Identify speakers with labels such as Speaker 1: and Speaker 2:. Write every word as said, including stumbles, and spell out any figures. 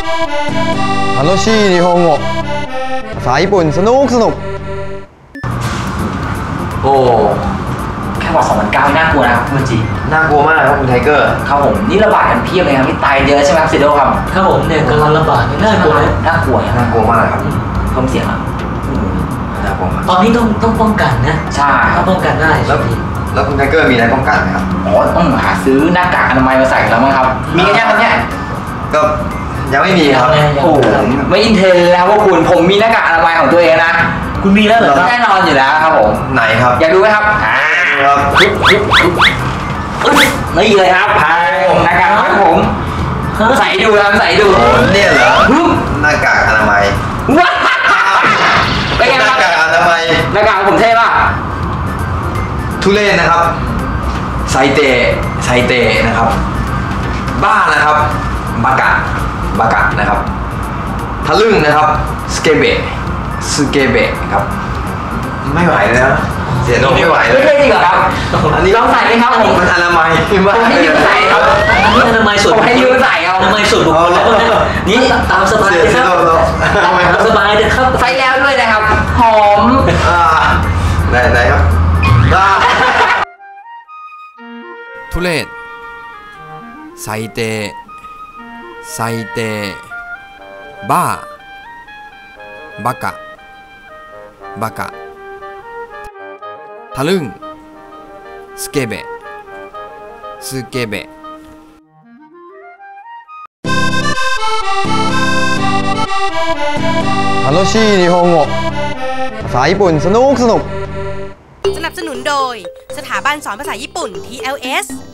Speaker 1: 楽しい日本語ภาษาญี่ปุ่นสนุกสนุก
Speaker 2: โอ้แค่บอกสองพันเก้าน่ากลัวนะครับคุณจี
Speaker 3: น่ากลัวมากครับคุณไทเกอร์
Speaker 2: ครับผมนี่ระบาดกันเพียบเลยครับที่ตายเยอะใช่ไหมครับเซโดครับ
Speaker 4: ครับผมเนี่ยกำลังระบาดน่ากลัว
Speaker 2: น่ากลัว
Speaker 3: น่ากลัวมากครับ
Speaker 2: เพิ่มเสียงอ่ะ
Speaker 3: น่ากลัวมาก
Speaker 4: ตอนนี้ต้องต้องป้องกันนะ
Speaker 2: ใช่
Speaker 4: ต้องป้องกันได้
Speaker 3: แล้วแล้วคุณไทเกอร์มีอะไรป้องกันไหมครับ
Speaker 2: อ๋อต้องหาซื้อหน้ากากอนามัยมาใส่แล้วมั้งครับมีกันยังครับเนี่ย
Speaker 3: ก็ยังไม่มีครับ
Speaker 2: โอ้ไม่อินเทนแล้วว่าคุณผมมีหน้ากากอนามัยของตัวเองนะ
Speaker 4: คุณมีแล้วเหรอ
Speaker 2: แน่นอนอยู่แล้วครับผม
Speaker 3: ไหนครับ
Speaker 2: อยากดูไหมครับอ่า
Speaker 3: ครับ
Speaker 2: นี่เลยครับพายหน้ากากของผมใส่ดูครับใส่ดู
Speaker 3: เนี่ยเหรอหน้ากากอนามัย
Speaker 2: ว้าเป็นไงครับ
Speaker 3: หน้ากากอนามัย
Speaker 2: หน้ากากผมเท่ป่ะ
Speaker 3: ทุเรศนะครับไซเตะไซเตะนะครับบ้านะครับบากะบากะนะครับทะลึ่งนะครับสเกเบะสเกเบะครับไม่ไหวแล้วเสียโนไม่ไหวเลย
Speaker 2: ไม่ใช่จริงเหรอครับอันนี้ต้องใส่ไหมครับผม
Speaker 3: มันอนามัย
Speaker 2: ผมให้ยืมใส่ครับ
Speaker 4: อันนี้อนามัยส่วน
Speaker 2: ผมให้ยืมใส่ครับ
Speaker 4: อนามัยส่วนบุคคลแล้วนี่ตามสบายเลยครับตามสบายเลยครับ
Speaker 2: ใส่แล้วด้วยนะครับหอม
Speaker 3: ไหนไหนครับ
Speaker 1: ทุเรศ最低最低バーバカバカทะลึ่งスケベスケベ楽しい日本語ภาษาญี่ปุ่นสนุกสนุก
Speaker 5: สนับสนุนโดยสถาบันสอนภาษาญี่ปุ่น ที แอล เอส